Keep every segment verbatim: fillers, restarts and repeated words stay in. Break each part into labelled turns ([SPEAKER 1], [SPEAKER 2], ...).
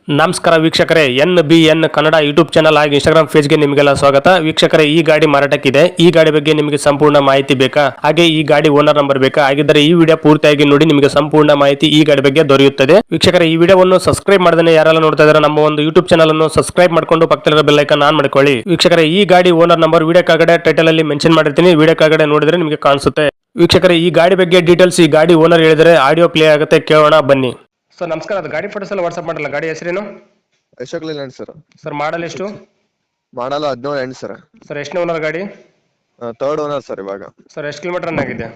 [SPEAKER 1] ನಮಸ್ಕಾರ ವೀಕ್ಷಕರೇ, N B N Kannada YouTube channel ಹಾಗೂ ಇನ್ಸ್ಟಾಗ್ರಾಮ್ ಪೇಜ್ಗೆ ನಿಮಗೆಲ್ಲ ಸ್ವಾಗತ. ವೀಕ್ಷಕರೇ, ಈ ಗಾಡಿ ಮಾರಾಟಕ್ಕಿದೆ. ಈ ಗಾಡಿ ಬಗ್ಗೆ ನಿಮಗೆ ಸಂಪೂರ್ಣ ಮಾಹಿತಿ ಬೇಕಾ, ಹಾಗೆ ಈ ಗಾಡಿ ಓನರ್ ನಂಬರ್ ಬೇಕಾ? ಹಾಗಿದ್ದರೆ ಈ ವಿಡಿಯೋ ಪೂರ್ತಿಯಾಗಿ ನೋಡಿ, ನಿಮಗೆ ಸಂಪೂರ್ಣ ಮಾಹಿತಿ ಈ ಗಾಡಿ ಬಗ್ಗೆ ದೊರೆಯುತ್ತದೆ. ವೀಕ್ಷಕರೇ, ಈ ವಿಡಿಯೋವನ್ನು ಸಬ್ಸ್ಕ್ರೈಬ್ ಮಾಡದೇ ಯಾರೆಲ್ಲ ನೋಡ್ತಾ ಇದ್ದಾರೆ ನಮ್ಮ ಒಂದು ಯೂಟ್ಯೂಬ್ ಚಾನಲ್ ಅನ್ನು ಸಬ್ಸ್ಕ್ರೈಬ್ ಮಾಡ್ಕೊಂಡು ಪಕ್ಕದಲ್ಲಿರೋ ಬೆಲ್ ಐಕಾನ್ ಆನ್ ಮಾಡ್ಕೊಳ್ಳಿ. ವೀಕ್ಷಕರೇ, ಈ ಗಾಡಿ ಓನರ್ ನಂಬರ್ ವಿಡಿಯೋ ಕೆಳಗಡೆ ಟೈಟಲ್ ಅಲ್ಲಿ ಮೆನ್ಷನ್ ಮಾಡಿರ್ತೀನಿ, ವಿಡಿಯೋ ಕೆಳಗಡೆ ನೋಡಿದ್ರೆ ನಿಮಗೆ ಕಾಣಿಸುತ್ತೆ. ವೀಕ್ಷಕರೇ, ಈ ಗಾಡಿ ಬಗ್ಗೆ ಡೀಟೇಲ್ಸ್ ಈ ಗಾಡಿ ಓನರ್ ಹೇಳಿದರೆ ಆಡಿಯೋ ಪ್ಲೇ ಆಗುತ್ತೆ, ಕೇಳೋಣ ಬನ್ನಿ. ಸರ್ ನಮಸ್ಕಾರ, ಅದು ಗಾಡಿ ಫೋಟೋಸ್ ಎಲ್ಲ ವಾಟ್ಸ್ಆಪ್ ಮಾಡಲ್ಲ. ಗಾಡಿ ಹೆಸರೇನು?
[SPEAKER 2] Ashok Leyland sir.
[SPEAKER 1] Sir model ಎಷ್ಟು?
[SPEAKER 2] ಮಾಡಲ್ಲ ಹದಿನೇಳು ಎಂಟು ಸರ್.
[SPEAKER 1] ಸರ್ ಎಷ್ಟನೇ ಓನರ್ ಗಾಡಿ?
[SPEAKER 2] ಥರ್ಡ್ ಓನರ್ ಸರ್ ಇವಾಗ.
[SPEAKER 1] ಸರ್ ಎಷ್ಟು ಕಿಲೋಮೀಟರ್ ರನ್ ಆಗಿದೆ?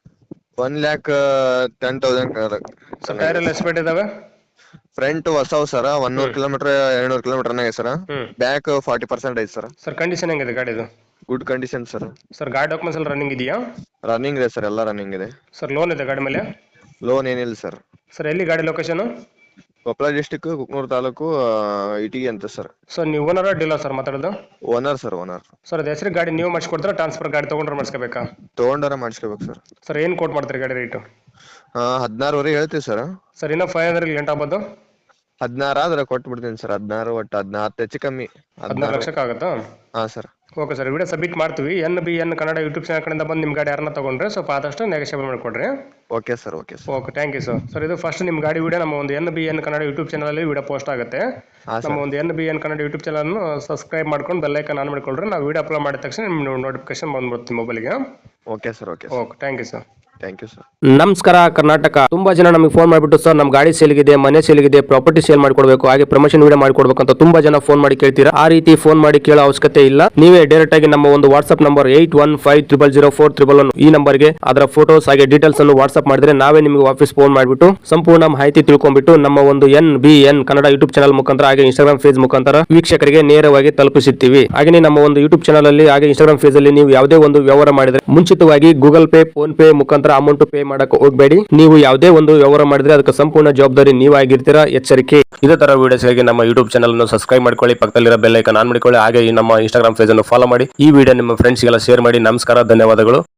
[SPEAKER 2] One lakh ten thousand.
[SPEAKER 1] Sir tyre ಎಲ್ಲ ಎಷ್ಟು ಬೇಟ್ ಇದಾವೆ?
[SPEAKER 2] ಫ್ರಂಟ್ ಹೊಸವು ಸರ್, ಒನ್ನೂರು ಕಿಲೋಮೀಟರ್ ಎರಡ್ನೂರು ಕಿಲೋಮೀಟರ್ ರನ್ ಆಗಿದೆ ಸರ್. ಬ್ಯಾಕ್ ಫಾರ್ಟಿ ಪರ್ಸೆಂಟ್ ಐತೆ ಸರ್.
[SPEAKER 1] ಸರ್ ಕಂಡೀಷನ್ ಹೆಂಗಿದೆ ಗಾಡಿದು?
[SPEAKER 2] Good condition sir.
[SPEAKER 1] ಸರ್ ಗಾಡಿ ಡಾಕ್ಯುಮೆಂಟ್ಸ್ ಎಲ್ಲ ರನ್ನಿಂಗ್ ಇದೆಯಾ?
[SPEAKER 2] ರನ್ನಿಂಗ್ ಇದೆ ಸರ್, ಎಲ್ಲ ರನ್ನಿಂಗ್ ಇದೆ.
[SPEAKER 1] ಸರ್ ಲೋನ್ ಇದೆ ಗಾಡಿ ಮೇಲೆ?
[SPEAKER 2] ಲೋನ್ ಏನಿಲ್ಲ ಸರ್.
[SPEAKER 1] ಸರ್ ಎಲ್ಲಿ ಗಾಡಿ ಲೊಕೇಶನ್?
[SPEAKER 2] ಕೊಪ್ಪಳ ಡಿಸ್ಟಿಕ್, ಕುಕ್ನೂರು ತಾಲೂಕು, ಇಟಿಗೆ ಅಂತ ಸರ್.
[SPEAKER 1] ಸರ್ ನೀವು ಓನರ್ ಡೀಲರ್ ಸರ್ ಮಾತಾಡೋದು?
[SPEAKER 2] Owner sir, owner.
[SPEAKER 1] ಸರ್ ಅದು ಹೆಸರು ಗಾಡಿ ನೀವು ಮಾಡಿಸ್ಕೊಡ್ತಾರೆ, ಟ್ರಾನ್ಸ್ಫರ್ ಗಾಡಿ ತೊಗೊಂಡ್ರೆ ಮಾಡಿಸ್ಕೋಬೇಕಾ?
[SPEAKER 2] ತೊಗೊಂಡಾರ ಮಾಡಿಸ್ಕೋಬೇಕು ಸರ್.
[SPEAKER 1] ಸರ್ ಏನು ಕೋಟ್ ಮಾಡ್ತೀರಿ ಗಾಡಿ ರೇಟು?
[SPEAKER 2] ಹದಿನಾರುವರೆಗೆ ಹೇಳ್ತೀವಿ ಸರ್.
[SPEAKER 1] ಸರ್ ಇನ್ನೂ ಫೈವ್ ಹಂಡ್ರೆಡ್ ಲೆಂಟ್ ಆಗ್ಬೋದು?
[SPEAKER 2] ಹದಿನಾರು ಆದ್ರೆ ಕೊಟ್ಬಿಡ್ತೀನಿ ಸರ್. ಹದಿನಾರು ಒಟ್ಟು ಹದಿನಾರು ಹೆಚ್ಚು ಕಮ್ಮಿ.
[SPEAKER 1] ಹದಿನಾರು ಲಕ್ಷಕ್ಕೆ ಆಗುತ್ತಾ?
[SPEAKER 2] ಹಾಂ sir.
[SPEAKER 1] Okay sir, video submit ಮಾಡ್ತೀವಿ. N B N Kannada YouTube channel ಕಡೆಯಿಂದ ಬಂದು ನಿಮ್ಮ ಗಾಡಿ ಯಾರನ್ನ ತೊಗೊಂಡ್ರೆ ಸ್ವಲ್ಪ ಆದಷ್ಟು ನೆಗೋಷಿಯೇಬಲ್ ಮಾಡಿಕೊಡ್ರಿ.
[SPEAKER 2] Okay sir. Okay sir.
[SPEAKER 1] Okay, thank you sir. Sir ಇದು ಫಸ್ಟ್ ನಿಮ್ಮ ಗಾಡಿ ವಿಡಿಯೋ ನಮ್ಮ ಒಂದು N B N Kannada YouTube ಚಾನಲಲ್ಲಿ ವಿಡಿಯೋ ಪೋಸ್ಟ್ ಆಗುತ್ತೆ. ನಮ್ಮ ಒಂದು N B N Kannada YouTube ಚಾನಲ್ನ ಸಬ್ಸ್ಕ್ರೈಬ್ ಮಾಡ್ಕೊಂಡು ಬೆಲ್ ಐಕಾನ್ ಆನ್ ಮಾಡ್ಕೊಳ್ರಿ. ನಾವು ವಿಡಿಯೋ ಅಪ್ಲೋಡ್ ಮಾಡಿದ ತಕ್ಷಣ ನಿಮ್ಮ ನೋಟಿಫಿಕೇಶನ್ ಬಂದ್ಬಿಡ್ತೀವಿ ಮೊಬೈಲ್ಗೆ.
[SPEAKER 2] Okay sir. Okay
[SPEAKER 1] okay, thank you sir.
[SPEAKER 2] Thank you sir.
[SPEAKER 1] ನಮಸ್ಕಾರ ಕರ್ನಾಟಕ. ತುಂಬಾ ಜನ ನಮಗೆ ಫೋನ್ ಮಾಡಿಬಿಟ್ಟು ಸರ್ ನಮ್ಮ ಗಾಡಿ ಸೇಲ್ಗಿದೆ, ಮನೆ ಸೇಲ್ಗಿದೆ, ಪ್ರಾಪರ್ಟಿ ಸೇಲ್ ಮಾಡಿಕೊಡ್ಬೇಕು, ಹಾಗೆ ಪ್ರಮೋಷನ್ ವಿಡಿಯೋ ಮಾಡಿಕೊಡ್ಬೇಕು ಅಂತ ತುಂಬಾ ಜನ ಫೋನ್ ಮಾಡಿ ಕೇಳ್ತೀರಾ. ಆ ರೀತಿ ಫೋನ್ ಮಾಡಿ ಕೇಳೋ ಅವಶ್ಯಕತೆ ಇಲ್ಲ. ನೀವೇ ಡೈರೆಕ್ಟ್ ಆಗಿ ನಮ್ಮ ಒಂದು WhatsApp number eight one five triple zero four triple one ಈ ನಂಬರ್ಗೆ ಅದರ ಫೋಟೋಸ್ ಹಾಗೆ ಡೀಟೇಲ್ಸ್ ಅನ್ನು ವಾಟ್ಸ್ಆಪ್ ಮಾಡಿದ್ರೆ ನಾವೇ ನಿಮಗೆ ವಾಪಸ್ ಫೋನ್ ಮಾಡಿಬಿಟ್ಟು ಸಂಪೂರ್ಣ ಮಾಹಿತಿ ತಿಳ್ಕೊಂಡ್ಬಿಟ್ಟು ನಮ್ಮ ಒಂದು N B N Kannada YouTube channel ಮುಖಾಂತರ ಹಾಗೆ ಇನ್ಸ್ಟಾಗ್ರಾಮ್ ಪೇಜ್ ಮುಖಾಂತರ ವೀಕ್ಷಕರಿಗೆ ನೇರವಾಗಿ ತಲುಪಿಸುತ್ತೀವಿ. ಹಾಗೆ ನಮ್ಮ ಒಂದು ಯೂಟ್ಯೂಬ್ ಚಾನಲ್ ಅಲ್ಲಿ ಹಾಗೆ ಇನ್ಸ್ಟಾಗ್ರಾಮ್ ಪೇಜ್ ಅಲ್ಲಿ ನೀವು ಯಾವುದೇ ಒಂದು ವ್ಯವಹಾರ ಮಾಡಿದ್ರೆ ಮುಂಚಿತವಾಗಿ ಗೂಗಲ್ ಪೇ, ಫೋನ್ ಪೇ ಮುಖಾಂತರ ಅಮೌಂಟ್ ಪೇ ಮಾಡಕ್ಕೆ ಹೋಗಬೇಡಿ. ನೀವು ಯಾವುದೇ ಒಂದು ವ್ಯವಹಾರ ಮಾಡಿದ್ರೆ ಅದಕ್ಕೆ ಸಂಪೂರ್ಣ ಜವಾಬ್ದಾರಿ ನೀವಾಗಿರ್ತೀರಾ, ಎಚ್ಚರಿಕೆ. ಇದೇ ತರ ವಿಡಿಯೋಸ್ಗಾಗಿ ನಮ್ಮ ಯೂಟ್ಯೂಬ್ ಚಾನಲ್ ಅನ್ನು ಸಬ್ಸ್ಕ್ರೈಬ್ ಮಾಡ್ಕೊಳ್ಳಿ, ಪಕ್ಕದಲ್ಲಿರೋ ಬೆಲ್ ಐಕಾನ್ ಆನ್ ಮಾಡ್ಕೊಳ್ಳಿ, ಹಾಗೆ ಈ ನಮ್ಮ ಇನ್ಸ್ಟಾಗ್ರಾಮ್ ಪೇಜ್ ಅನ್ನು ಫಾಲೋ ಮಾಡಿ. ಈ ವಿಡಿಯೋ ನಿಮ್ಮ ಫ್ರೆಂಡ್ಸ್ಗೆಲ್ಲ ಶೇರ್ ಮಾಡಿ. ನಮಸ್ಕಾರ, ಧನ್ಯವಾದಗಳು.